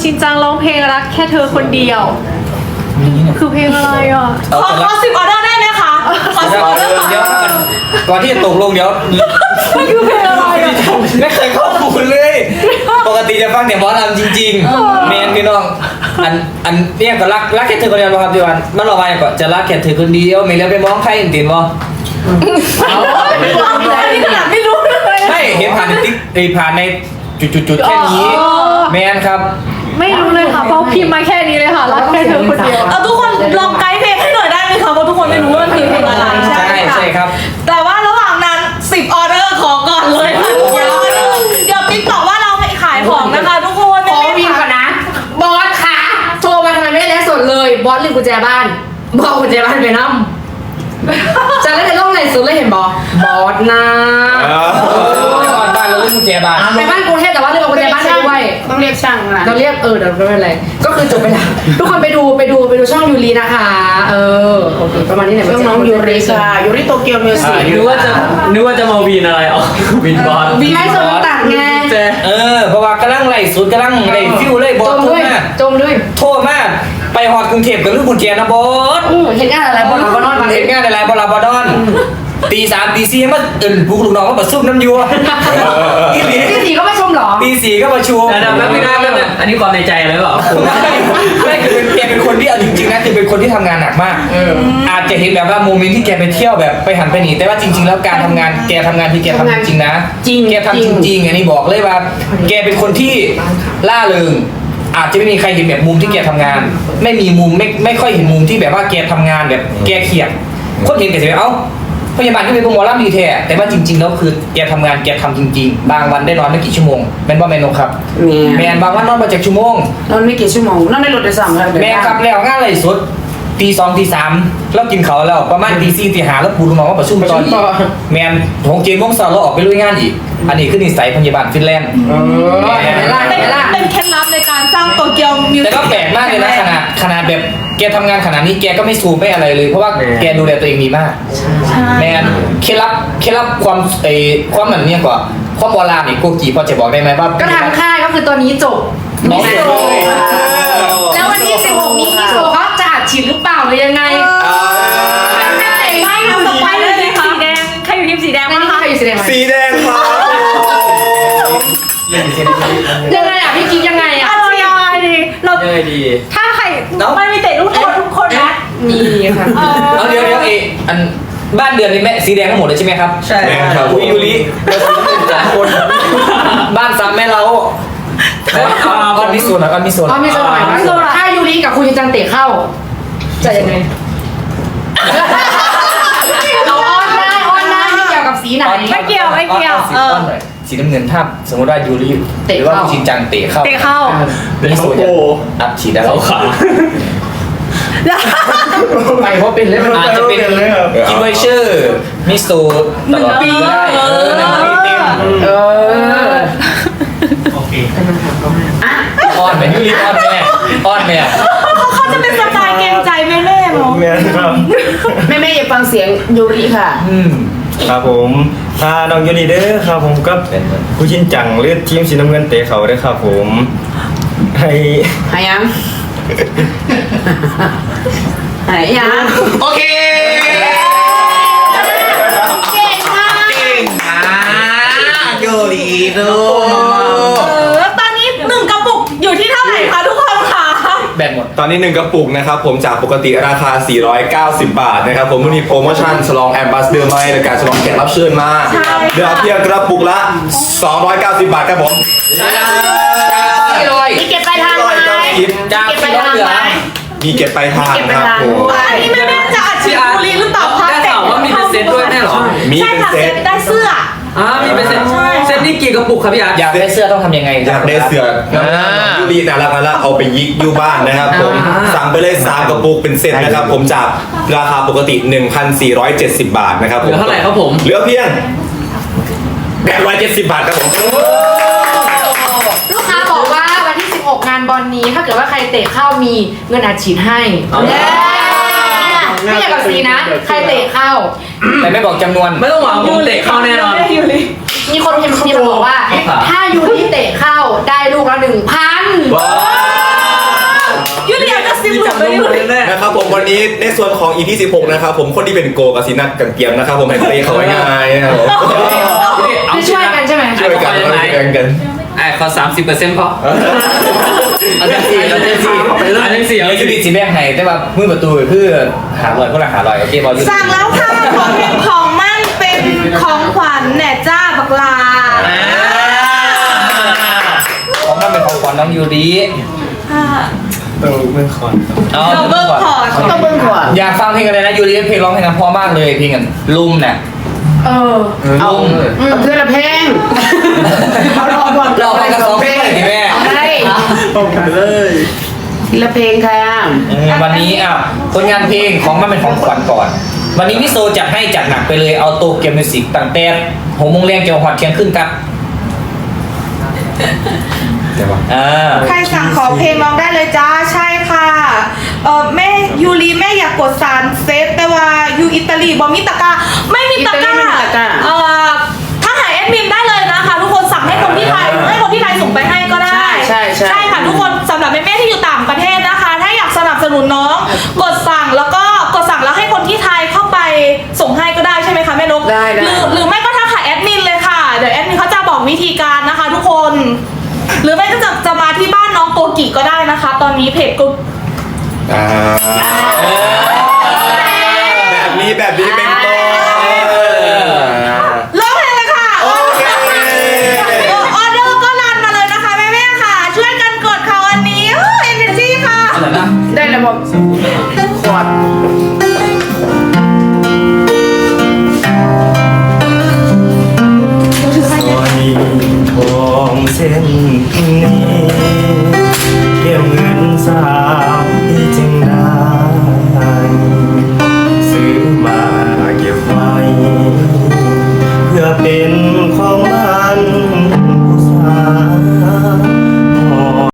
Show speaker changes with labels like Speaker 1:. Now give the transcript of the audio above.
Speaker 1: ชินจังร้องเพลงรักแค่เธอคนเดียวคือเพลงอะไรอ่ะ
Speaker 2: ขอ10 ออเดอร์ได้ไหมคะขอ10 ออเดอร์
Speaker 3: เดี๋ยวก่อนที่จะตกลงเดี๋ยว
Speaker 1: มันคือเพลงอะไรอ่ะ
Speaker 3: ไม่เคยข้อมูลเลยปกติจะฟังแต่หมอลำจริงๆเมนพี่น้องอันเนี่ยก็รักแค่เธอคนเดียวครับพี่วันมันเราไปก่อนจะรักแค่เธอคนเดียวไม่เลี้ยวไปมองใครจริงๆบ่
Speaker 2: ไม่รู้เลย
Speaker 3: ไม่เห็นผ่านในติ๊กผ่านในจุดๆแค่นี้แมนครับ
Speaker 1: ไม่รู้เลยค่ะเพราะพิมพ์มาแค่นี้เลยค่ะรักแค่เธอคนเดียว
Speaker 2: เอาทุกคนลองไกด์เพลงให้หน่อยได้ไหมคะเพราะทุกคนไม่รู้ว่ามันคือเพลงอะไร
Speaker 3: ใช่ครับ
Speaker 2: แต่ว่าระหว่างนั้น10 ออเดอร์ขอก่อนเลยค่ะทุกคนเดี๋ยวติ๊กบอกว่าเราไปขายของนะคะทุกคน
Speaker 4: ขอพิมพ์ก่อนนะบอสค่ะโทรมาทำไมไม่ได้แล้วสดเลยบอสลืมกุญแจบ้านบอกกุญแจบ้านไปนั่มจะเล่นในโลกไหนสุดเลยเห็นบอสนะ
Speaker 3: บ้านเราเล่นกุญแจบ้าน
Speaker 4: ไปบ้านกรุงเทพแต่ว่าลืมเอากุญแจบ้านไปด้วย
Speaker 5: ต้องเรียกช่างนะ
Speaker 4: เราเรียกเดี๋ยวไม่เป็นไรก็คือจบไปแล้วทุกคนไปดูช่องยูรีนะคะโอเคประมาณนี้แหละ
Speaker 5: เรื่องน้องยูริค่ะยูริโตเกียวมิวสิก
Speaker 6: นึกว่าจะมาวีนอะไรอ๋อวีนบอล
Speaker 4: วีให้สมตัดไง
Speaker 3: เพราะว่ากำลังไล่สุดกำลังไล่ฟิวเลยบอสโทษมาก
Speaker 4: จมด้วย
Speaker 3: โทษมากไปฮอดกรุงเทพกับลูกกุญแจนะบอส
Speaker 4: เห็นงานอะไรบอลบอลนอนมา
Speaker 3: เห็นงานอะไรบอลบอดอนตี 3 ตี 4มาปลุกลูกน้องมาประชุมน้ำยัว
Speaker 4: ที่สี่ก็ไม่ชมหรอ
Speaker 3: ตี 4ก็ประชุม
Speaker 6: แล้วพี่น้าอันนี้ความในใจเลยเปล่า
Speaker 3: ไม่คือแกเป็นคนที่เอาจริงๆนะคือเป็นคนที่ทำงานหนักมากอาจจะเห็นแบบว่าโมเมนต์ที่แกไปเที่ยวแบบไปหันไปหนีแต่ว่าจริงๆแล้วการทำงานแกทำงานที่แกทำจริงๆนะแกทำจริงๆอันนี้บอกเลยว่าแกเป็นคนที่ล่าเริงอาจจะไม่มีใครเห็นแบบมุมที่แกทำงาน ไม่มีมุมไม่ค่อยเห็นมุมที่แบบว่าแกทำงานแบบแกเขียดคนเห็นแกจะแบบเอ้าพยาบาลที่เป็นโปรโมชั่นดีแท้แต่ว่าจริงๆแล้วคือแกทำงานแกทำจริงๆบางวันได้นอนไม่กี่ชั่วโมงแมนบ่แมนนครับแมนบางวันนอนมา7 ชั่วโมง
Speaker 5: นอนไม่กี่ชั่วโมงนอนในรถโดยสารค่ะ
Speaker 3: แมนครับแล้วงานอะไรสุดตี 2 ตี 3แล้วกินเขาวแล้วประมาณตี 4 ตี 5แล้วปูลูกน้องมาประชุมตอนแมนของเจมส์เราออกไปลุยงานอีกอันนี้คือนิสัยพยาบาลฟินแลนด์
Speaker 2: เป็นเคล็ดลับในการสร้างโตเกียวมิวสิก
Speaker 3: แต่ก็แปลกมากเลยนะขนาดแบบแกทำงานขนาดนี้แกก็ไม่ซูมไม่อะไรเลยเพราะว่าแกดูแลตัวเองดีมากแมนเคล็ดลับความความเหมือนเนี่ยกว่าความโบราณนี่โกกีพอจะบอกได้ไหมว่า
Speaker 4: ก็ทางค่ายก็คือตัวนี้จบ
Speaker 3: น้องจบเลย
Speaker 4: แล้ววันที่16นี้พี่โซเขาจะอัดฉีดหรือเปล่าหรือยังไง
Speaker 2: ไม่ทำสไปเลยสีแดงใครอยู่ทีมสีแดง
Speaker 4: ไม่
Speaker 2: บ้าง
Speaker 4: นี่
Speaker 2: คะ
Speaker 4: ใครอยู่สีแดงไหม
Speaker 7: สีแดงครับ
Speaker 4: ยังไงอ่ะพี่กิ๊กยังไงอ่ะ
Speaker 2: เอายังไงดีเรา
Speaker 6: ยังไงดี
Speaker 2: ถ้าใครมันมีเตะลูกโทษทุกคนนะ
Speaker 4: มีค่ะ
Speaker 3: เอาเดี๋ยวอันบ้านเดือนนี่แม่สีแดงทั้งหมดเลยใช่ไหมครับ
Speaker 6: ใช่
Speaker 7: ครับ
Speaker 3: คุยยูริคนบ้านซ้ำแม่เราก้อนมิโซนก้อนมิโซน
Speaker 4: เอาไม่สมัยนะถ้ายูริกับคุณยูจังเตะเข้าจะยังไงเอาออนได้ไม่เกี่ยวกับสีไหน
Speaker 2: ไม่เกี่ยว
Speaker 3: สีน้ำเงินถ้าสมมติว่ายูริหรือว่าคุณชินจังเตะเข้า
Speaker 2: เตะเข้า
Speaker 3: มิโซนอัดฉีดได้
Speaker 6: เขาขา
Speaker 4: ไปเพราะเป็นเล่น
Speaker 3: อาจจะเป็นกิมเบอร์เชอร์มิโซตลอดปีก็ได้1 ปีเต็ม
Speaker 6: โอเค
Speaker 3: อ้อนแม่ยูริอ้อนแม่
Speaker 2: เขาจะเป็นสไตล์เกรงใจแม่ๆมั้ง
Speaker 7: แม่ครับ
Speaker 5: แม่อย่าฟังเสียงยูริค่ะ
Speaker 7: ครับผมน้องยูนิเด้อครับผมก็ผู้ชินจังเลือดทีมสีน้ำเงินเตะเขาเด้อครับผมให้
Speaker 5: หายังหายัง
Speaker 3: โอเค
Speaker 2: เก่งมาก
Speaker 3: ยูริดู
Speaker 2: ตอนนี้1 กระปุกอยู่ที่เท่าไหร่คะทุกคนคะ
Speaker 3: แบตหมด
Speaker 7: ตอนนี้1 กระปุกนะครับผมจากปกติราคา 490 บาทนะครับผมมีโปรโมชั่นฉลองแอมบาสเดอร์ไม่ในการฉลองแขกรับเชิญมาเหลือเพียงกระปุกละ 290 บาทครับผม
Speaker 4: มีเก็บปลายทางไหม
Speaker 3: จาก
Speaker 4: เก็บปลาย
Speaker 3: ที่
Speaker 4: ทาง
Speaker 3: เหลือ
Speaker 4: ไหม
Speaker 7: มีเก็บปลายทางครับผม
Speaker 2: อันนี้แม่จะอัดฉีดบุรีหรือเปล่าคะ
Speaker 6: ได้ข่าวว่ามีเป็นเซตด้วยแน่หรอ
Speaker 7: มี
Speaker 2: ใช่
Speaker 7: เป็น
Speaker 2: ค่ะ
Speaker 7: เซ
Speaker 2: เซ
Speaker 7: ต
Speaker 2: ตได้เสื้อ
Speaker 6: มีเป็นเซตเซตนี่กี่กระปุกครับพี่อาร์ต
Speaker 3: อยากได้เสื้อต้องทำยังไง
Speaker 7: อยากได้เสือยูรีแต่ละละเอาไปยิกอยู่บ้านนะครับผมสั่งไปเลย3 กระปุกเป็นเซตนะครับผมจากราคาปกติ 1,470 บาทนะครับผม
Speaker 6: เหลือเท่าไหร่ครับผม
Speaker 7: เหลือเพียง870 บาทครับผม
Speaker 4: ลูกค้าบอกว่าวันที่16งานบอลนี้ถ้าเกิดว่าใครเตะเข้ามีเงินอัดฉีดให้ไม่เกี่ยวกับสีนะ ใครเตะเข้า
Speaker 3: แต่ไม่บอกจำนวน
Speaker 6: ไม่ต้องหวังผมเตะเข้าแน่นอน
Speaker 4: มีคนพิมพ์บอกว่า ถ้ายูริเตะเข้าได้ลูกละ 1,000
Speaker 7: นะครับผมวันนี้ในส่วนของ EP 16นะครับผมคนที่เป็นโกกับซีนัทกันเกียมนะครับผมให้เตะเขาง่ายๆนะครับผม
Speaker 4: คือช่วยกันใช่ไหม
Speaker 7: ช่วยกันช่วยกัน
Speaker 6: ไอ้ขอ30%พอเอาจังสี่เอาจังสี่เอาจังสี่
Speaker 3: เดี๋ยว
Speaker 6: เอา
Speaker 3: จะ
Speaker 6: จัง
Speaker 3: ดี
Speaker 6: สี่
Speaker 3: สิแม่งให้แต่ว่ามือประตูเพื่อหาลอยก็ละหาลอยโอเคบอล
Speaker 2: สั่งแล้วค่ะของมั่นเป็นของขวัญแหน่จ้าบักลา
Speaker 3: ของนั่นเป็นของขวัญน้องยูริ
Speaker 2: ค่ะ
Speaker 3: เอา
Speaker 2: เราเบิกขอด
Speaker 5: ต้องเบิ้งก่อน
Speaker 3: อยากฟังเพลงอะไรนะยูริเพลงร้องเพลงนั้นเพราะมากเลยเพลงกันลุ่มน่ะ
Speaker 5: เอาเอาเพื่อนละเพลงเอารอบอล
Speaker 3: เราไปกับสองเพลงเลยดิแม่
Speaker 5: เอาได้ทีละเพลงค่ะ
Speaker 3: วันนี้ผลงานเพลงของมันเป็นของขวัญก่อน วันนี้มิโซจัดให้จัดหนักไปเลยเอาโตเกียวมิวสิกตั้งแต่6 โมงแรงเกี่ยวหอดเที่ยงขึ้นครับ
Speaker 2: ใครสั่งขอเพลงร้องได้เลยจ้าใช่ค่ะแม่ยูรีแม่อยากกดสารเซฟแต่ว่ายูอิตาลีบอมิตะกร้าไม่มีตะกร้าถ้าหาแอดมินได้เลยนะคะทุกคนสั่งให้คนที่ไทยส่งไปให้ก็ได้
Speaker 5: ใช่
Speaker 2: ค่ะทุกคนสำหรับแม่ๆที่อยู่ต่างประเทศนะคะ ถ้าอยากสนับสนุนน้องกดสั่งแล้วให้คนที่ไทยเข้าไปส่งให้ก็ได้ใช่ไหมคะแม่นก
Speaker 5: ได้
Speaker 2: หรือไม่ก็ทักหาแอดมินเลยค่ะเดี๋ยวแอดมินเขาจะบอกวิธีการนะคะ ทุกคน หรือไม่ก็จะมาที่บ้านน้องโกกิก็ได้นะคะ ตอนนี้เพจก็
Speaker 7: แบบนี้เป็นต้น
Speaker 2: ร้องเพลงเลยค่ะ
Speaker 7: โอเค
Speaker 2: ออเดอร์ก็รันมาเลยนะคะแม่ๆค่ะ ช่วยกันกดค่ะวันนี้เอเนจีค่ะ
Speaker 5: ได้แล้วบอกขวด
Speaker 8: สร้อยทองเส้นนี้เกี่ยวเงินสา